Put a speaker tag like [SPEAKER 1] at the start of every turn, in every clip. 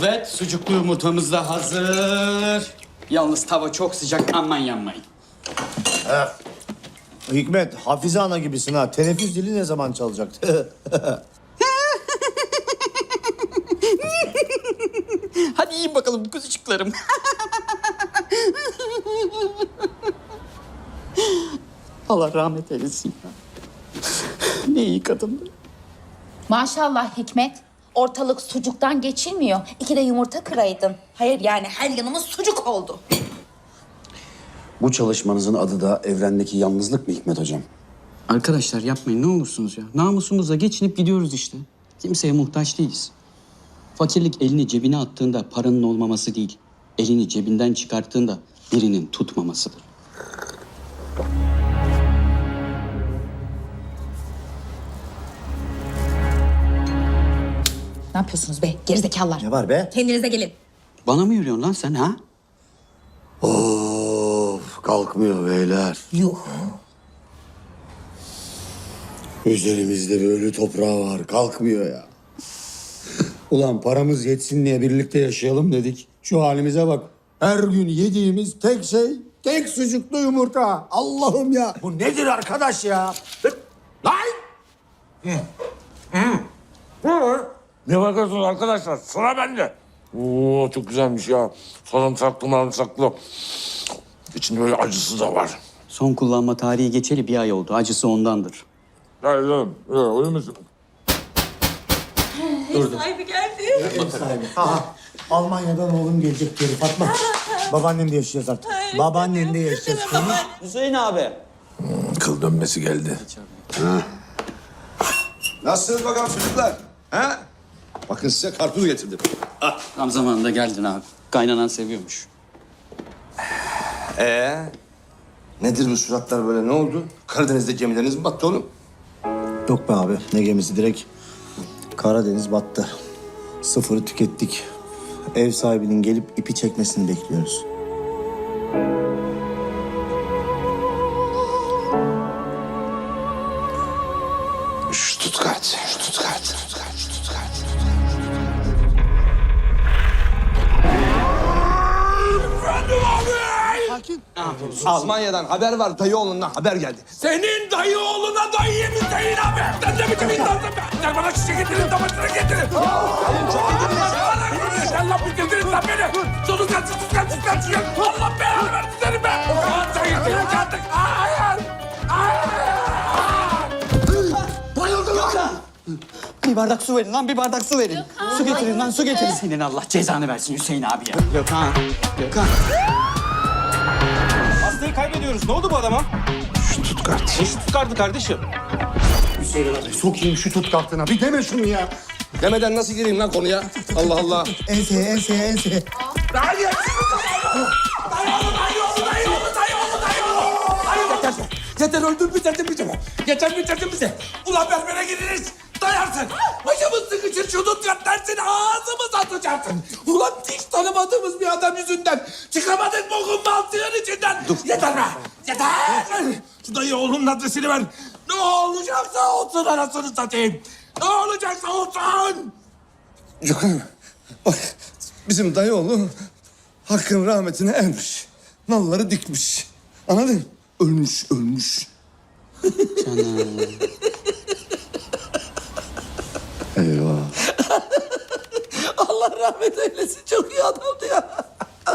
[SPEAKER 1] Evet, sucuklu yumurtamız da hazır. Yalnız tava çok sıcak, aman yanmayın.
[SPEAKER 2] Hikmet, Hafize ana gibisin ha. Teneffüs dili ne zaman çalacaktı?
[SPEAKER 1] Hadi yiyin bakalım kuzucuklarım. Allah rahmet eylesin. Ne iyi kadındı.
[SPEAKER 3] Maşallah Hikmet. Ortalık sucuktan geçilmiyor. 2 de yumurta kıraydın. Hayır yani her yanımız sucuk oldu.
[SPEAKER 4] Bu çalışmanızın adı da evrendeki yalnızlık mı Hikmet Hocam?
[SPEAKER 1] Arkadaşlar yapmayın ne olursunuz ya. Namusumuzla geçinip gidiyoruz işte. Kimseye muhtaç değiliz. Fakirlik elini cebine attığında paranın olmaması değil. Elini cebinden çıkarttığında birinin tutmamasıdır.
[SPEAKER 3] Ne yapıyorsunuz be gerizekalılar?
[SPEAKER 2] Ne var be?
[SPEAKER 3] Kendinize gelin.
[SPEAKER 1] Bana mı yürüyorsun lan sen ha?
[SPEAKER 2] Of, kalkmıyor beyler.
[SPEAKER 3] Yuh.
[SPEAKER 2] Üzerimizde bir ölü toprağı var, kalkmıyor ya. Ulan paramız yetsin diye birlikte yaşayalım dedik. Şu halimize bak. Her gün yediğimiz tek şey, tek sucuklu yumurta. Allah'ım ya. Bu nedir arkadaş ya?
[SPEAKER 5] Lan! Ne bakıyorsunuz arkadaşlar? Sıra bende. Oo çok güzelmiş ya. Sarımsaklı. İçinde böyle acısı da var.
[SPEAKER 1] Son kullanma tarihi geçeli 1 ay oldu. Acısı ondandır.
[SPEAKER 5] Hayır canım. Öyle misin?
[SPEAKER 3] Sahibi geldi.
[SPEAKER 2] Aha, Almanya'dan oğlum gelecek geri Fatma. Babaannen de yaşayacağız artık. Babaannen de yaşayacağız.
[SPEAKER 1] Hüseyin abi.
[SPEAKER 5] Kıl dönmesi geldi.
[SPEAKER 6] Nasılsınız bakalım çocuklar? Ha? Bakın size karpuz getirdim.
[SPEAKER 1] Tam zamanında geldin abi. Kaynanan seviyormuş.
[SPEAKER 6] Nedir bu suratlar böyle, ne oldu? Karadeniz'de gemileriniz mi battı oğlum?
[SPEAKER 2] Yok be abi, ne gemisi direkt Karadeniz battı. Sıfırı tükettik. Ev sahibinin gelip ipi çekmesini bekliyoruz.
[SPEAKER 6] Stuttgart. Almanya'dan haber var, dayı oğlundan haber geldi.
[SPEAKER 5] Senin dayı oğluna dayı Hüseyin abi. Sen de biçim insansın be. Sen bana çiçek getirin, tabancını getirin. Allah bitirdiniz lan beni. Tutukan. Allah belanı versin seni be. Sen getirin artık. Hayır.
[SPEAKER 1] Bir bardak su verin lan, bir bardak su verin. Su getirin lan, su getirin. Senin Allah cezanı versin Hüseyin abi ya. Gökhan.
[SPEAKER 7] Hastayı kaybediyoruz. Ne oldu bu adama?
[SPEAKER 6] Stuttgart.
[SPEAKER 7] Stuttgart'tı kardeşim.
[SPEAKER 2] Hüseyin abi, sokayım şu tut kartına. Bir deme şunu ya.
[SPEAKER 6] Demeden nasıl gireyim lan konuya? Allah Allah.
[SPEAKER 2] Enseye.
[SPEAKER 5] Dayı oğlu. Yeter öldür bitirdin bizi. Ulan berbere gideriz. Dayarsın. Başımız sıkışır şudut yat dersin. Ağzımız atacaksın. Ulan hiç tanımadığımız bir adam yüzünden. Çıkamadık bokun baltığın içinden. Dur. Yeter be. Yeter. Şu dayı oğlunun adresini ver. Ne olacaksa olsun anasını satayım. Ne olacaksa olsun.
[SPEAKER 6] Gökhan, bak bizim dayı oğlu Hakk'ın rahmetine ermiş. Nalları dikmiş. Anladın mı? Ölmüş. Eyvah.
[SPEAKER 5] Allah rahmet eylesin. Çok iyi adamdı ya.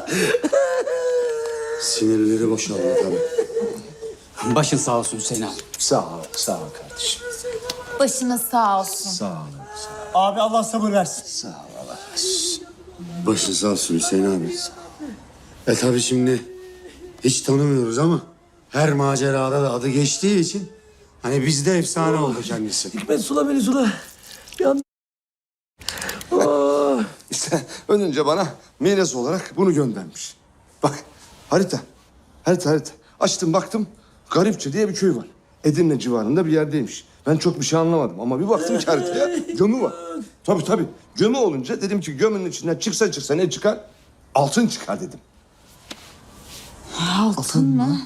[SPEAKER 6] Sinirleri boşaldı tabii.
[SPEAKER 1] Başın sağ olsun Hüseyin abi.
[SPEAKER 6] Sağ ol kardeşim.
[SPEAKER 3] Başınız sağ olsun.
[SPEAKER 6] Sağ ol.
[SPEAKER 2] Abi Allah sabır versin.
[SPEAKER 6] Başın sağ olsun Hüseyin abi. Tabii şimdi hiç tanımıyoruz ama her macerada da adı geçtiği için hani bizde efsane oldu kendisi.
[SPEAKER 5] Hikmet sula beni sula.
[SPEAKER 6] İşte önce bana miras olarak bunu göndermiş. Bak harita. Açtım baktım Garipçe diye bir köy var. Edirne civarında bir yerdeymiş. Ben çok bir şey anlamadım ama bir baktım ki haritaya gömü var. Tabii. Gömü olunca dedim ki gömünün içinden çıksa ne çıkar? Altın çıkar dedim.
[SPEAKER 3] Altın mı?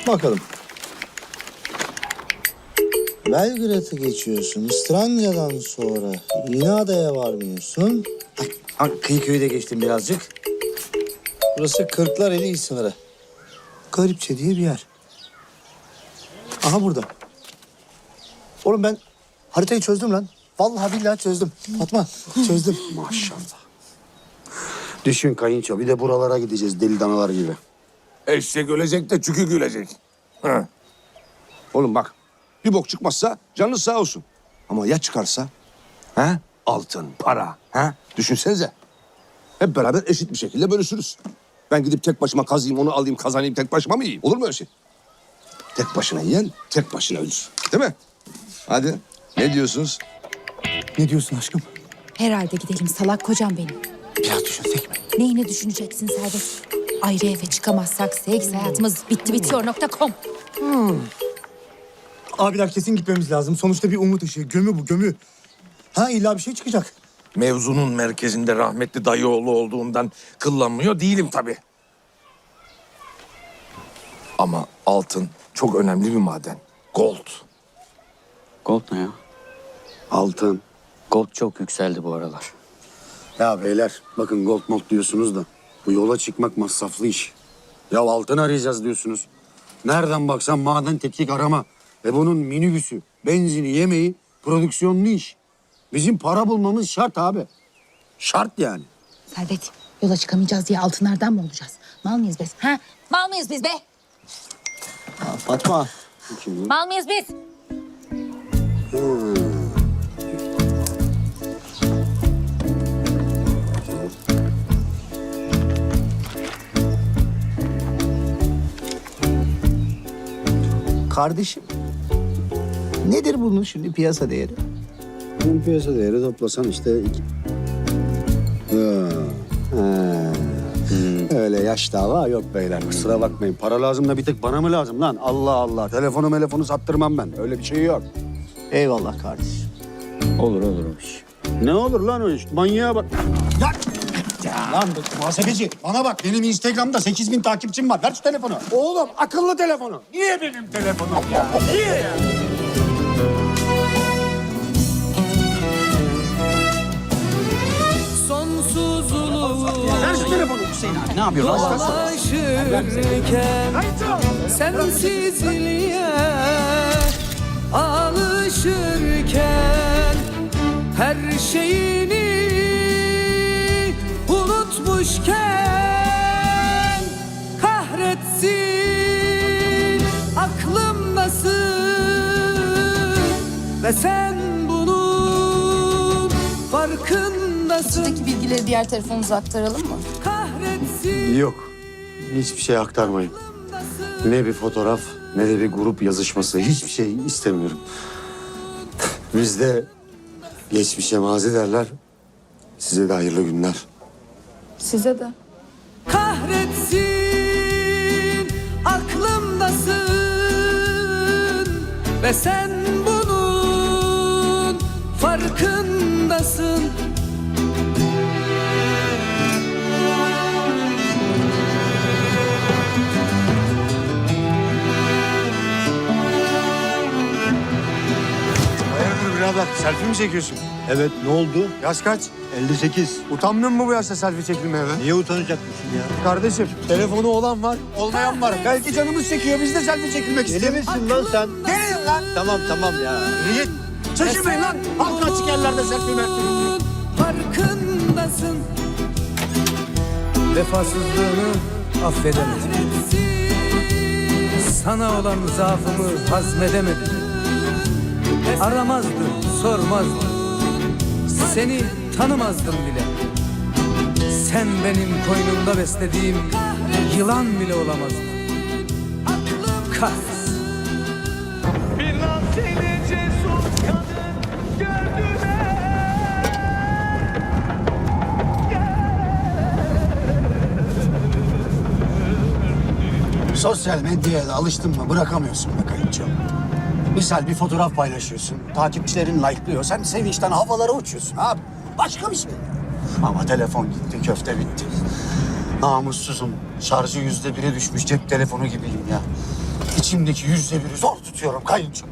[SPEAKER 8] Bakalım. Belgrad'ı geçiyorsun. Strandya'dan sonra yine adaya varmıyorsun. Kıyıköy'ü de geçtim birazcık. Burası Kırklareli sınırı. Garipçe diye bir yer. Aha burada. Oğlum ben haritayı çözdüm lan. Vallahi billahi çözdüm. Fatma çözdüm.
[SPEAKER 2] Maşallah. Düşün kayınço, bir de buralara gideceğiz deli danalar gibi.
[SPEAKER 6] Eşek ölecek de çükü gülecek. Ha. Oğlum bak, bir bok çıkmazsa canınız sağ olsun. Ama ya çıkarsa? Ha? Altın, para. Ha? Düşünsenize. Hep beraber eşit bir şekilde bölüşürüz. Ben gidip tek başıma kazıyım, onu alayım, kazanayım, tek başıma mı yiyeyim? Olur mu öyle şey? Tek başına yiyen, tek başına ölür. Değil mi? Hadi, ne diyorsunuz?
[SPEAKER 8] Ne diyorsun aşkım?
[SPEAKER 3] Herhalde gidelim salak kocam benim.
[SPEAKER 8] Biraz düşünsek mi?
[SPEAKER 3] Neyini düşüneceksin Servet? Ayrı eve çıkamazsak seks hayatımız bitti bitiyor.com.
[SPEAKER 8] Abiler kesin gitmemiz lazım. Sonuçta bir umut ışığı. Gömü bu gömü. Ha illa bir şey çıkacak.
[SPEAKER 5] Mevzunun merkezinde rahmetli dayıoğlu olduğundan kıllanmıyor değilim tabii. Ama altın çok önemli bir maden. Gold.
[SPEAKER 1] Gold ne ya?
[SPEAKER 2] Altın.
[SPEAKER 1] Gold çok yükseldi bu aralar.
[SPEAKER 2] Ya beyler bakın gold mold diyorsunuz da bu yola çıkmak masraflı iş. Ya altın arayacağız diyorsunuz. Nereden baksan maden tetkik arama. Bunun minibüsü, benzini, yemeği, prodüksiyonlu iş. Bizim para bulmamız şart abi. Şart yani.
[SPEAKER 3] Servet, yola çıkamayacağız diye altınlardan mı olacağız? Mal mıyız biz? Ha? Mal mıyız biz be?
[SPEAKER 8] Fatma.
[SPEAKER 3] Mal mıyız biz?
[SPEAKER 8] Kardeşim. Nedir bunun şimdi piyasa değeri?
[SPEAKER 2] Bunun piyasa değeri toplasan işte... Öyle yaş dava yok beyler. Kusura bakmayın. Para lazım da bir tek bana mı lazım lan? Allah Allah. Telefonu sattırmam ben. Öyle bir şey yok.
[SPEAKER 8] Eyvallah kardeşim.
[SPEAKER 1] Olur o iş.
[SPEAKER 2] Ne olur lan o iş? Manyağa bak. Lan muhasebeci bana bak benim Instagram'da 8.000 takipçim var. Ver şu telefonu. Oğlum akıllı telefonu. Niye benim telefonum ya? Niye ya? Ver şu telefonu.
[SPEAKER 1] Hüseyin abi ne yapıyorsun?
[SPEAKER 9] Alışırken sensizliğe alışırken her şeyini unutmuşken kahretsin aklımdasın ve sen bunun farkındasın.
[SPEAKER 3] Buradaki bilgileri diğer telefonunuza aktaralım mı?
[SPEAKER 9] Kahretsin
[SPEAKER 2] Yok. Hiçbir şey aktarmayın. Ne bir fotoğraf ne de bir grup yazışması. Hiçbir şey istemiyorum. Bizde geçmişe mazi derler. Size de hayırlı günler.
[SPEAKER 3] Size de.
[SPEAKER 9] kahretsin aklımdasın ve sen bunun farkındasın.
[SPEAKER 2] Hayırdır birader? Selfie mi çekiyorsun?
[SPEAKER 8] Evet ne oldu?
[SPEAKER 2] Yaş kaç?
[SPEAKER 8] 58.
[SPEAKER 2] Utanmıyor musun bu yaşta selfie çekilmeye be?
[SPEAKER 8] Niye utanacakmışsın ya?
[SPEAKER 2] Kardeşim telefonu olan var, olmayan var. Belki canımız çekiyor, biz de selfie çekilmek
[SPEAKER 8] Deli
[SPEAKER 2] istiyoruz.
[SPEAKER 8] misin lan sen?
[SPEAKER 2] Deliyim lan.
[SPEAKER 8] Tamam ya.
[SPEAKER 2] Git. Çekilmeyin lan. Halka açık yerlerde selfie mertfi.
[SPEAKER 9] Farkındasın.
[SPEAKER 10] Vefasızlığını affedemedim.
[SPEAKER 9] Kahretsin
[SPEAKER 10] Sana olan zaafımı hazmedemedim. Aramazdım, sormazdım. Seni tanımazdım bile. Sen benim koynumda beslediğim yılan bile olamazdın. Kahretsin.
[SPEAKER 9] bir nazeli cesur kadın gördüğüne
[SPEAKER 2] Sosyal medyaya da alıştın mı bırakamıyorsun be kayınço. Misal bir fotoğraf paylaşıyorsun, takipçilerin like'lıyor. Sen sevinçten havalara uçuyorsun abi. Başka bir şey. Ama telefon gitti, köfte bitti. Namussuzum. Şarjı %1'e düşmüş cep telefonu gibiyim ya. Hiç İçimdeki %1'i zor tutuyorum kayınço.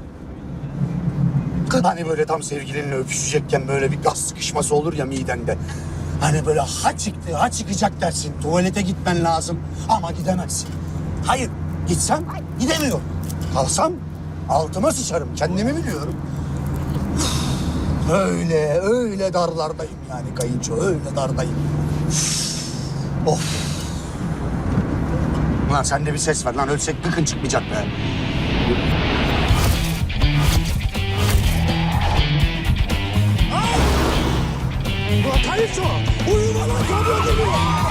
[SPEAKER 2] Hani böyle tam sevgilinle öpüşecekken böyle bir gaz sıkışması olur ya midende. Hani böyle ha çıktı, ha çıkacak dersin. Tuvalete gitmen lazım ama gidemezsin. Hayır, gitsem gidemiyorum. Kalsam altıma sıçarım, kendimi biliyorum. Öyle darlardayım yani kayınço, öyle dardayım. Of. Ulan sen de bir ses ver lan, ölsek gıkın çıkmayacak be. Ulan kayınço, uyuma lan, kamyon geliyor.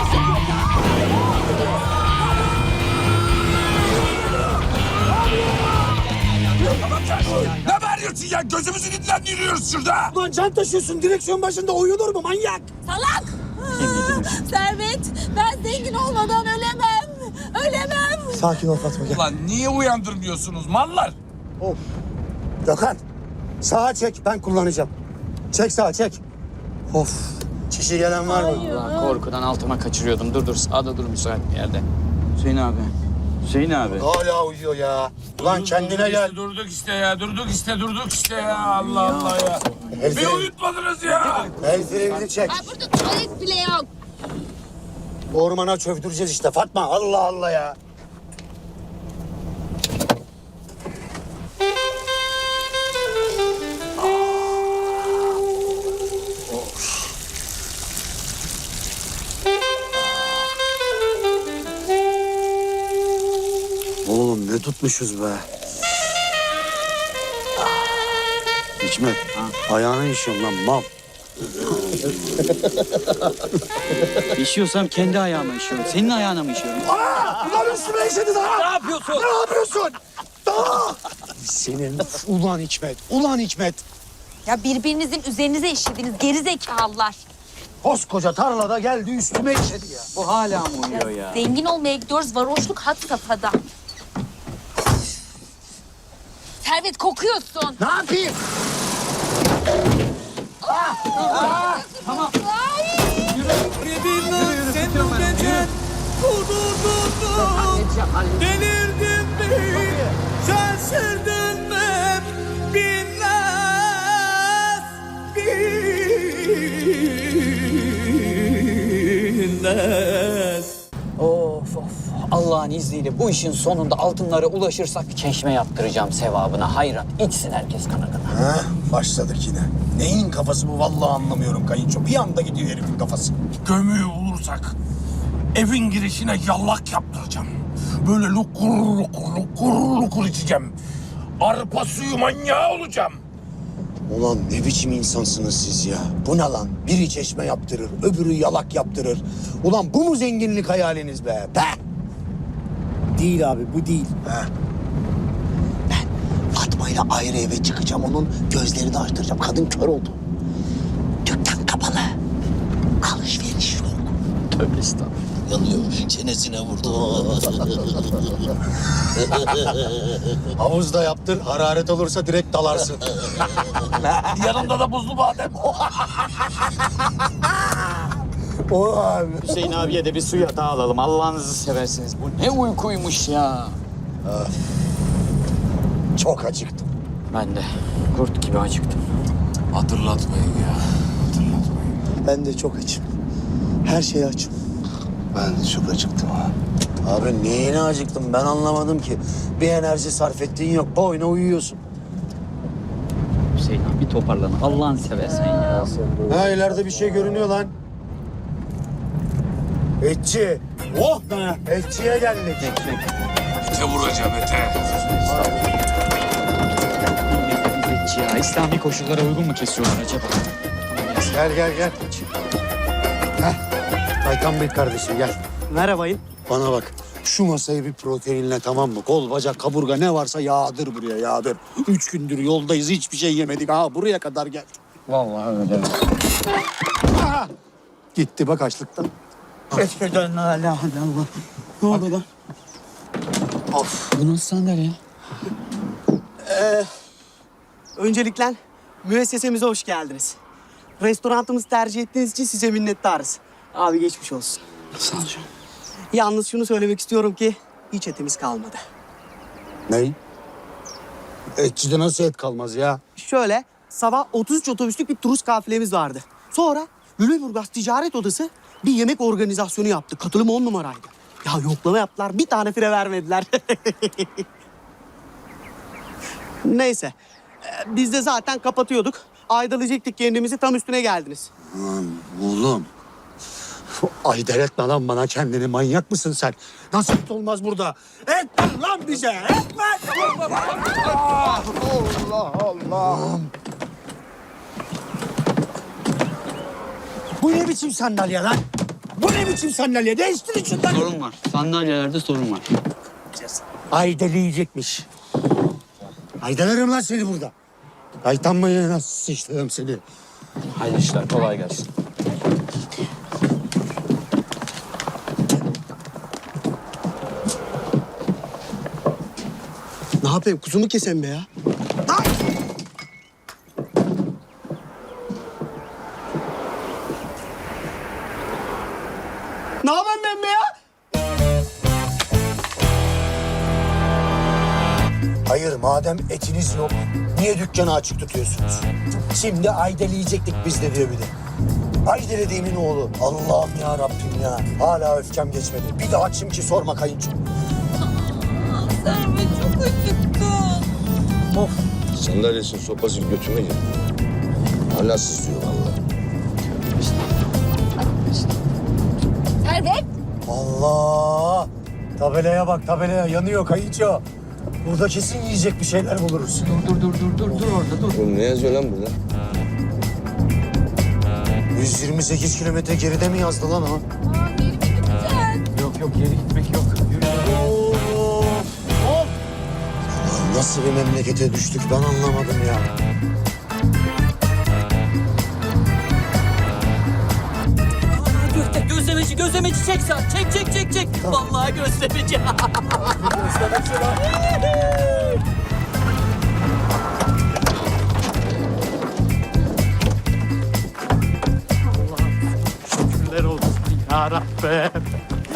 [SPEAKER 5] Ne bağırıyorsun ya? Gözümüzün içinden yürüyoruz şurada.
[SPEAKER 2] Ulan can taşıyorsun, direksiyon başında uyunur mu manyak?
[SPEAKER 3] Salak! Servet, ben zengin olmadan ölemem. Ölemem.
[SPEAKER 2] Sakin ol Fatma, gel.
[SPEAKER 5] Ulan niye uyandırmıyorsunuz mallar?
[SPEAKER 2] Of. Gökhan, sağa çek, ben kullanacağım. Çek sağa, çek. Of. Çişi gelen var mı?
[SPEAKER 1] Ulan korkudan altıma kaçırıyordum. Dur sağda dur müsait bir yerde. Hüseyin abi. Hüseyin abi.
[SPEAKER 2] Hala uyuyor ya. Ulan kendine gel.
[SPEAKER 5] Durduk işte ya. Allah Allah ya. Bir uyutmadınız ya.
[SPEAKER 2] El frenini çek.
[SPEAKER 3] Ha, burada tuvalet bile yok.
[SPEAKER 2] Ormana çövdüreceğiz işte Fatma. Allah Allah ya. Oğlum ne tutmuşuz be. Hikmet, ayağına işiyorum lan mal.
[SPEAKER 1] İşiyorsam kendi ayağıma işiyorum. Senin ayağına mı işiyorum?
[SPEAKER 2] Ulan üstüme işedi daha.
[SPEAKER 1] Ne yapıyorsun?
[SPEAKER 2] Ne yapıyorsun? Daha. Senin ulan Hikmet, ulan Hikmet.
[SPEAKER 3] Ya birbirinizin üzerinize işlediniz geri zekalılar.
[SPEAKER 2] Koskoca tarlada geldi üstüme işedi ya.
[SPEAKER 1] Bu hala mı uyuyor ya?
[SPEAKER 3] Zengin olmaya gidiyoruz, varoşluk had safhada. Servet kokuyorsun.
[SPEAKER 2] Ne yapayım?
[SPEAKER 9] Sen bu gece kudurdun. Delirdin mi? Şaşırdın mı? Bilmez.
[SPEAKER 1] Of. Allah'ın izniyle bu işin sonunda altınlara ulaşırsak çeşme yaptıracağım sevabına. Hayrat içsin herkes kana kana.
[SPEAKER 2] Ha, başladık yine. Neyin kafası bu vallahi anlamıyorum kayınço. Bir anda gidiyor herifin kafası.
[SPEAKER 5] Gömüğü bulursak evin girişine yallak yaptıracağım. Böyle lukur içeceğim. Arpa suyu manyağı olacağım.
[SPEAKER 2] Ulan ne biçim insansınız siz ya? Bu ne lan? Biri çeşme yaptırır, öbürü yalak yaptırır. Ulan bu mu zenginlik hayaliniz be? Be!
[SPEAKER 8] Değil abi, bu değil.
[SPEAKER 2] Fatma'yla ayrı eve çıkacağım, onun gözlerini açtıracağım. Kadın kör oldu. Dükkan kapalı. Alışveriş yok.
[SPEAKER 1] Tövbe estağfurullah.
[SPEAKER 2] Yanıyor, çenesine vurdu. Havuzda yaptır, hararet olursa direkt dalarsın.
[SPEAKER 5] Yanımda da buzlu badem.
[SPEAKER 2] O abi.
[SPEAKER 1] Hüseyin abiye de bir su yatağı alalım. Allah'ınızı seversiniz. Bu ne uykuymuş ya.
[SPEAKER 2] Çok acıktım.
[SPEAKER 1] Ben de kurt gibi acıktım.
[SPEAKER 5] Hatırlatmayın ya. Hatırlatmayın.
[SPEAKER 2] Ben de çok açım. Her şeye açım. Ben de çok acıktım ha. Abi neyine acıktım ben anlamadım ki. Bir enerji sarf ettiğin yok. Boyuna uyuyorsun.
[SPEAKER 1] Hüseyin abi toparlan. Allah'ını seversen ya.
[SPEAKER 2] Ha ileride bir şey görünüyor lan. Etçi. Oh be. Etçiye geldik.
[SPEAKER 5] Ete vuracağım ete.
[SPEAKER 1] Milletçi ya. İslami koşullara uygun mu kesiyorlar acaba?
[SPEAKER 2] Gel. Heh. Aykan Bey kardeşim gel.
[SPEAKER 8] Merhabayın.
[SPEAKER 2] Bana bak. Şu masayı bir proteinle tamam mı? Kol, bacak, kaburga ne varsa yağdır buraya yağdır. 3 gündür yoldayız hiçbir şey yemedik. Ha buraya kadar geldik.
[SPEAKER 1] Vallahi öyle.
[SPEAKER 2] Aha! Gitti bak açlıktan.
[SPEAKER 1] Eskiden Allah. Ne oldu lan?
[SPEAKER 2] Of.
[SPEAKER 1] Bu nasıl sandalye?
[SPEAKER 8] Öncelikle müessesemize hoş geldiniz. Restoranımızı tercih ettiğiniz için size minnettarız. Abi geçmiş olsun.
[SPEAKER 1] Sağ ol canım.
[SPEAKER 8] Yalnız şunu söylemek istiyorum ki hiç etimiz kalmadı.
[SPEAKER 2] Ney? Etçide nasıl et kalmaz ya?
[SPEAKER 8] Şöyle sabah 33 otobüslük bir turist kafilemiz vardı. Sonra Lüleburgaz Ticaret Odası bir yemek organizasyonu yaptı. Katılım 10 numaraydı. Ya yoklama yaptılar. Bir tane fire vermediler. Neyse. Biz de zaten kapatıyorduk. Aydalayacaktık kendimizi. Tam üstüne geldiniz.
[SPEAKER 2] Lan oğlum. Ay delirtme lan bana kendini. Manyak mısın sen? Nasıl et olmaz burada? Et ver lan bize. Et ver. Allah Allah. Bu ne biçim sandalye lan? Bu ne biçim sandalye? Değiştirin şunları.
[SPEAKER 1] Sorun var. Sandalyelerde sorun var.
[SPEAKER 2] Ay deliyecekmiş. Ay denerim lan seni burada. Ay tam mı nasıl sıçtım seni?
[SPEAKER 7] Hayırlı işler, kolay gelsin.
[SPEAKER 8] Ne yapayım? Kuzumu kesem be ya. Ay! Ne yapayım ben be ya?
[SPEAKER 2] Hayır madem etiniz yok niye dükkanı açık tutuyorsunuz? Şimdi Aydel yiyecektik biz de diyor bir de. Aydel dediğimin oğlu. Allah'ım ya Rabbim ya. Hala öfkem geçmedi. Bir daha kim ki sorma kayınço.
[SPEAKER 9] Servet çok acıktım.
[SPEAKER 2] Of.
[SPEAKER 6] Sandalyesinin sopasını götüme gir. Hala sızlıyor vallahi.
[SPEAKER 3] Servet.
[SPEAKER 2] Allah. Tabelaya bak tabelaya yanıyor kayınço. Burada kesin yiyecek bir şeyler buluruz.
[SPEAKER 1] Dur orada dur.
[SPEAKER 6] Oğlum ne yazıyor lan burada?
[SPEAKER 2] 128 kilometre geride mi yazdı lan o?
[SPEAKER 1] Yok geri gitmek yok.
[SPEAKER 2] Nasıl bir memlekete düştük ben anlamadım ya.
[SPEAKER 9] Gözlemeci çek sen. Çek. Vallahi gözlemeci.
[SPEAKER 8] Şükürler olsun ya Rabbim.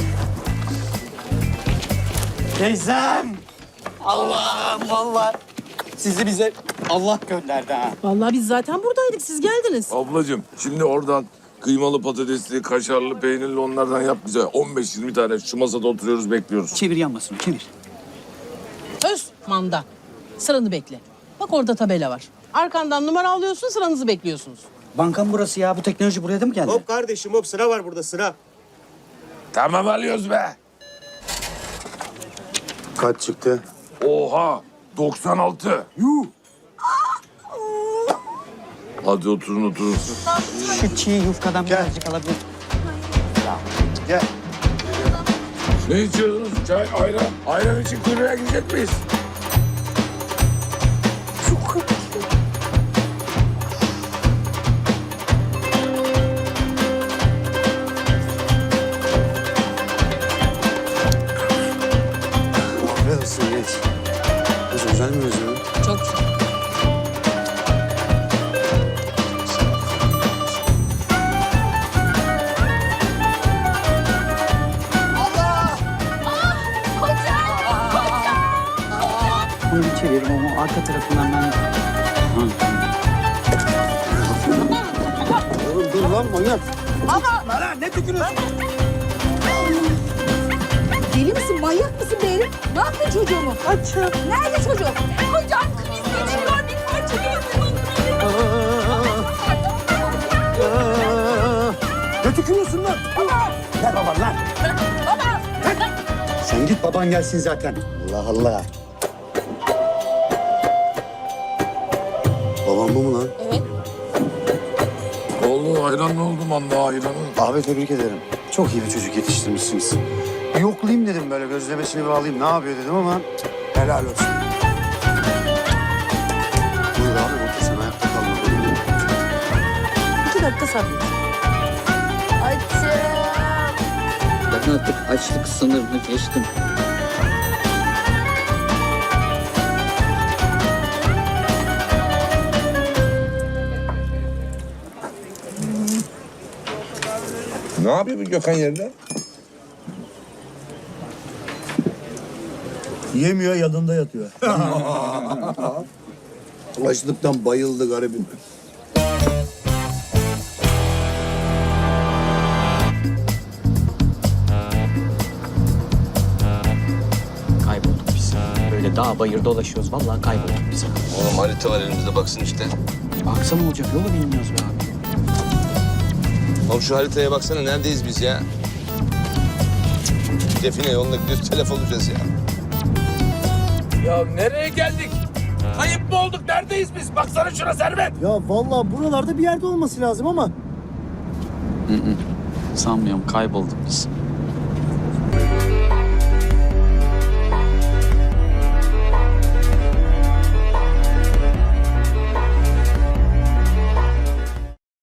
[SPEAKER 8] Teyzem. Allah'ım vallahi. Sizi bize Allah gönderdi ha.
[SPEAKER 9] Vallahi biz zaten buradaydık. Siz geldiniz.
[SPEAKER 11] Ablacığım şimdi oradan kıymalı patatesli, kaşarlı, peynirli onlardan yap bize. 15-20 tane şu masada oturuyoruz bekliyoruz.
[SPEAKER 1] Çevir yanmasını çevir.
[SPEAKER 9] Öz manda. Sıranı bekle. Bak orada tabela var. Arkandan numara alıyorsun, sıranızı bekliyorsunuz.
[SPEAKER 1] Banka mı burası ya? Bu teknoloji buraya da mı geldi?
[SPEAKER 8] Hop kardeşim hop sıra var burada sıra.
[SPEAKER 11] Tamam alıyoruz be.
[SPEAKER 2] Kaç çıktı?
[SPEAKER 11] Oha 96. Yuh. Hadi oturun.
[SPEAKER 1] Şu çiğ yufkadan birazcık alabilir.
[SPEAKER 2] Gel.
[SPEAKER 11] Ne içiyorsunuz? Çay, ayran. Ayran için kuyruğa gidecek miyiz?
[SPEAKER 2] Afiyet olsun geç. Nasıl güzel mi özlemi?
[SPEAKER 9] Çok güzel.
[SPEAKER 1] Bunu bir çeviririm ama arka tarafından ben...
[SPEAKER 2] Oğlum dur lan manyak.
[SPEAKER 3] Deli misin? Manyak mısın be herif? Ne yaptın çocuğumu? Açım. Nerede çocuğum? Kocam kriz geçiriyor. Bir parça
[SPEAKER 2] Ne tükürüyorsun lan? Gel baban lan.
[SPEAKER 3] Baba.
[SPEAKER 2] Sen git baban gelsin zaten. Allah Allah. Babam bu mu lan?
[SPEAKER 3] Evet.
[SPEAKER 11] Ne oldu? Ayran ne oldu manda ayranı?
[SPEAKER 2] Abi tebrik ederim. Çok iyi bir çocuk yetiştirmişsiniz. Bir yoklayayım dedim böyle gözlemesini bir alayım. Ne yapıyor dedim ama helal olsun. Buyur abi otur sen ayakta kalma.
[SPEAKER 9] 2 dakika sabret.
[SPEAKER 3] Açım.
[SPEAKER 1] Ben artık açlık sınırını geçtim.
[SPEAKER 11] Ne yapıyor bu Gökhan yerde?
[SPEAKER 2] Yemiyor, yanında yatıyor. Açlıktan bayıldı garibim.
[SPEAKER 1] Kaybolduk biz. Böyle dağ bayır dolaşıyoruz. Vallahi kaybolduk biz.
[SPEAKER 6] Oğlum harita var elimizde baksın işte.
[SPEAKER 1] Baksa ne olacak? Yolu bilmiyoruz be abi.
[SPEAKER 6] Oğlum şu haritaya baksana neredeyiz biz ya? Define yolunda gidiyoruz telef olacağız ya.
[SPEAKER 11] Ya nereye geldik? Kayıp mı olduk? Neredeyiz biz? Baksana şuna Servet.
[SPEAKER 8] Ya vallahi buralarda bir yerde olması lazım ama
[SPEAKER 7] Sanmıyorum, kaybolduk biz.